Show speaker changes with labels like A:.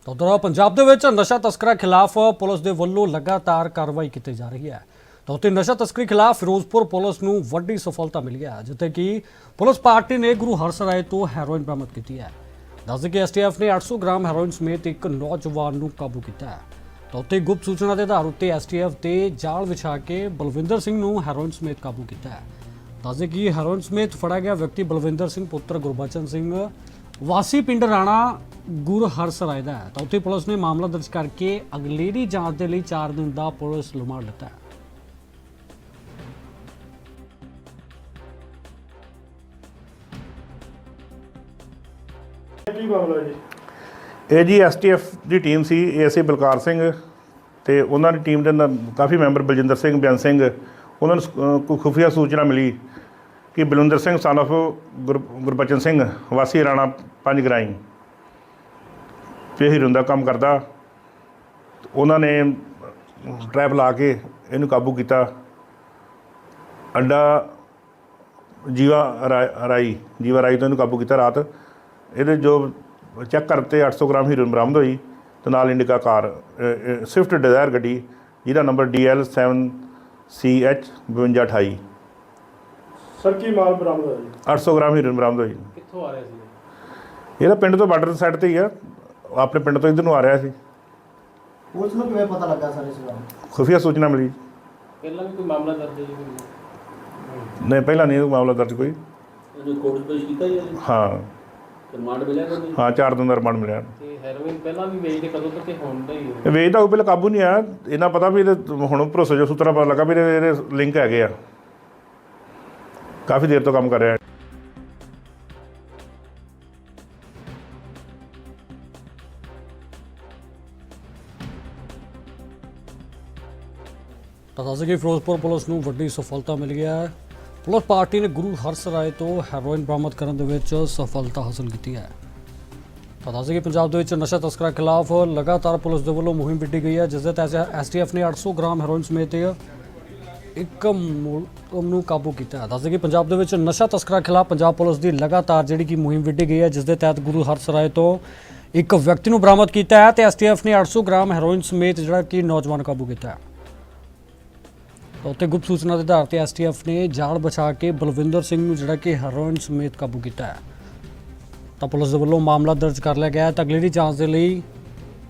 A: ਉਧਰ ਪੰਜਾਬ ਦੇ ਵਿੱਚ ਨਸ਼ਾ ਤਸਕਰਾਂ ਖਿਲਾਫ ਪੁਲਿਸ ਦੇ ਵੱਲੋਂ ਲਗਾਤਾਰ ਕਾਰਵਾਈ ਕੀਤੀ ਜਾ ਰਹੀ ਹੈ। ਤਾਂ ਉੱਥੇ ਨਸ਼ਾ ਤਸਕਰੀ ਖਿਲਾਫ ਫਿਰੋਜ਼ਪੁਰ ਪੁਲਿਸ ਨੂੰ ਵੱਡੀ ਸਫਲਤਾ ਮਿਲੀ ਹੈ, ਜਿੱਥੇ ਕਿ ਪੁਲਿਸ ਪਾਰਟੀ ਨੇ ਗੁਰੂ ਹਰਸਰਾਏ ਤੋਂ ਹੈਰੋਇਨ ਬਰਾਮਦ ਕੀਤੀ ਹੈ। ਦੱਸਦੇ ਕਿ ਐਸਟੀਐਫ ਨੇ 800 ਗ੍ਰਾਮ ਹੈਰੋਇਨ ਸਮੇਤ ਇੱਕ ਨੌਜਵਾਨ ਨੂੰ ਕਾਬੂ ਕੀਤਾ ਹੈ। ਤਾਂ ਉੱਥੇ ਗੁਪਤ ਸੂਚਨਾ ਦੇ ਆਧਾਰ ਉੱਤੇ ਐਸਟੀਐਫ ਤੇ ਜਾਲ ਵਿਛਾ ਕੇ ਬਲਵਿੰਦਰ ਸਿੰਘ ਨੂੰ ਹੈਰੋਇਨ ਸਮੇਤ ਕਾਬੂ ਕੀਤਾ ਹੈ। ਦੱਸਦੇ ਕਿ ਹੈਰੋਇਨ ਸਮੇਤ ਫੜਾ ਗਿਆ ਵਿਅਕਤੀ ਬਲਵਿੰਦਰ ਸਿੰਘ ਪੁੱਤਰ ਗੁਰਬਚਨ ਸਿੰਘ ਵਾਸੀ ਪਿੰਡ ਰਾਣਾ ਗੁਰੂ ਹਰਸਰਾਏ ਦਾ ਹੈ। ਤਾਂ ਉੱਥੇ ਪੁਲਿਸ ਨੇ ਮਾਮਲਾ ਦਰਜ ਕਰਕੇ ਅਗਲੇਰੀ ਜਾਂਚ ਦੇ ਲਈ 4 ਦਿਨ ਦਾ ਪੁਲਿਸ ਰਿਮਾਂਡ ਲਿੱਤਾ ਹੈ।
B: ਕੀ ਮਾਮਲਾ ਜੀ?
C: ਇਹ ਜੀ ਐਸਟੀਐਫ ਦੀ ਟੀਮ ਸੀ। ਏਐਸਏ ਬਲਕਾਰ ਸਿੰਘ ਤੇ ਉਹਨਾਂ ਦੀ ਟੀਮ ਦੇ ਨਾਲ ਕਾਫੀ ਮੈਂਬਰ ਬਲਜਿੰਦਰ ਸਿੰਘ, ਬਿਆਨ ਸਿੰਘ, ਉਹਨਾਂ ਨੂੰ ਕੋਈ ਖੁਫੀਆ ਸੂਚਨਾ ਮਿਲੀ ਕਿ ਬਲਵਿੰਦਰ ਸਿੰਘ ਸਨ ਆਫ ਗੁਰਬਚਨ ਸਿੰਘ ਵਾਸੀ ਰਾਣਾ 5 ਗਰਾਈ ਤੇ ਹੀਰੋਇਨ ਦਾ ਕੰਮ ਕਰਦਾ। ਉਹਨਾਂ ਨੇ ਟਰੈਪ ਲਾ ਕੇ ਇਹਨੂੰ ਕਾਬੂ ਕੀਤਾ। ਅੱਡਾ ਜੀਵਾ ਰਾਈ ਤੋਂ ਇਹਨੂੰ ਕਾਬੂ ਕੀਤਾ। ਰਾਤ ਇਹਦੇ ਜੋ ਚੈੱਕ ਕਰਤੇ 800 ਗ੍ਰਾਮ ਹੀਰੋਇਨ ਬਰਾਮਦ ਹੋਈ ਤੇ ਨਾਲ ਇੰਡੀਕਾ ਕਾਰ ਸਵਿਫਟ ਡਿਜ਼ਾਇਰ ਗੱਡੀ ਜਿਹਦਾ ਨੰਬਰ DL7CH 5228।
B: ਸਰ ਕੀ ਮਾਲ ਬਰਾਮਦ ਹੋਇਆ ਜੀ?
C: 800 ਗ੍ਰਾਮ ਹੀਰੋਇਨ ਬਰਾਮਦ ਹੋਈ।
B: ਕਿੱਥੋਂ ਆ ਰਿਹਾ ਸੀ?
C: ਇਹਦਾ ਪਿੰਡ ਤੋਂ ਬਾਰਡਰ ਸਾਈਡ ਤੇ ਹੀ ਆ, ਆਪਣੇ ਪਿੰਡ ਤੋਂ ਇੱਧਰ ਨੂੰ ਆ ਰਿਹਾ ਸੀ।
D: ਪੁਲਿਸ ਨੂੰ ਕਿਵੇਂ ਪਤਾ ਲੱਗਾ ਸਰ ਇਸ ਬਾਰੇ?
C: ਖੁਫੀਆ ਸੂਚਨਾ ਮਿਲੀ।
E: ਪਹਿਲਾਂ ਵੀ ਕੋਈ ਮਾਮਲਾ ਦਰਜ ਹੈ ਜੀ?
C: ਨਹੀਂ, ਪਹਿਲਾਂ ਨਹੀਂ ਮਾਮਲਾ ਦਰਜ ਕੋਈ।
E: ਇਹਨੂੰ ਕੋਰਟ 'ਚ ਪੇਸ਼ ਕੀਤਾ ਜੀ?
C: ਹਾਂ
E: ਰਿਮਾਂਡ ਮਿਲਿਆ ਕਦੋਂ?
C: ਹਾਂ 4 ਦਿਨ ਦਾ ਰਿਮਾਂਡ ਮਿਲਿਆ।
E: ਤੇ ਹੈਰੋਇਨ ਪਹਿਲਾਂ ਵੀ ਵੇਚਦੇ ਕਦੋਂ ਤੱਕ ਹੁਣ ਦਾ ਹੀ?
C: ਇਹ ਵੇਚਦਾ ਉਹ ਪਹਿਲਾਂ ਕਾਬੂ ਨਹੀਂ ਆਇਆ। ਇਹਨਾਂ ਪਤਾ ਵੀ ਇਹਦੇ ਹੁਣ ਭਰੋਸੇ ਜੋ ਸੂਤਰਾਂ ਪਤਾ ਲੱਗਾ ਵੀ ਇਹਦੇ ਲਿੰਕ ਹੈਗੇ ਆ। ਕਾਫੀ ਦੇਰ ਤੋਂ ਕੰਮ ਕਰ ਰਿਹਾ।
A: ਤਾਂ ਦੱਸਦੇ ਕਿ ਫਿਰੋਜ਼ਪੁਰ ਪੁਲਿਸ ਨੂੰ ਵੱਡੀ ਸਫਲਤਾ ਮਿਲ ਗਿਆ ਹੈ। ਪੁਲਿਸ ਪਾਰਟੀ ਨੇ ਗੁਰੂ ਹਰਸਰਾਏ ਤੋਂ ਹੈਰੋਇਨ ਬਰਾਮਦ ਕਰਨ ਦੇ ਵਿੱਚ ਸਫਲਤਾ ਹਾਸਲ ਕੀਤੀ ਹੈ। ਤਾਂ ਦੱਸਦੇ ਕਿ ਪੰਜਾਬ ਦੇ ਵਿੱਚ ਨਸ਼ਾ ਤਸਕਰਾਂ ਖਿਲਾਫ ਲਗਾਤਾਰ ਪੁਲਿਸ ਦੇ ਵੱਲੋਂ ਮੁਹਿੰਮ ਵਿੱਢੀ ਗਈ ਹੈ, ਜਿਸ ਦੇ ਤਹਿਤ ਐਸਟੀਐਫ ਨੇ 800 ਗ੍ਰਾਮ ਹੈਰੋਇਨ ਸਮੇਤ ਇੱਕ ਮੁਲਜ਼ਮ ਨੂੰ ਕਾਬੂ ਕੀਤਾ ਹੈ। ਦੱਸਦੇ ਕਿ ਪੰਜਾਬ ਦੇ ਵਿੱਚ ਨਸ਼ਾ ਤਸਕਰਾਂ ਖਿਲਾਫ ਪੰਜਾਬ ਪੁਲਿਸ ਦੀ ਲਗਾਤਾਰ ਜਿਹੜੀ ਕਿ ਮੁਹਿੰਮ ਵਿੱਢੀ ਗਈ ਹੈ, ਜਿਸ ਦੇ ਤਹਿਤ ਗੁਰੂ ਹਰਸਰਾਏ ਤੋਂ ਇੱਕ ਵਿਅਕਤੀ ਨੂੰ ਬਰਾਮਦ ਕੀਤਾ ਹੈ ਤੇ ਐਸਟੀਐਫ ਨੇ 800 ਗ੍ਰਾਮ ਹੈਰੋਇਨ ਸਮੇਤ ਜਿਹੜਾ ਕਿ ਨੌਜਵਾਨ ਕਾਬੂ ਕੀਤਾ ਹੈ। ਉੱਥੇ ਗੁਪਤ ਸੂਚਨਾ ਦੇ ਆਧਾਰ ਤੇ ਐਸਟੀਐਫ ਨੇ ਜਾਲ ਵਿਛਾ ਕੇ ਬਲਵਿੰਦਰ ਸਿੰਘ ਨੂੰ ਜਿਹੜਾ ਕਿ ਹੈਰੋਇਨ ਸਮੇਤ ਕਾਬੂ ਕੀਤਾ ਹੈ। ਤਾਂ ਪੁਲਿਸ ਦੇ ਵੱਲੋਂ ਮਾਮਲਾ ਦਰਜ ਕਰ ਲਿਆ ਗਿਆ ਹੈ ਤਾਂ ਅਗਲੇਰੀ ਜਾਂਚ ਦੇ ਲਈ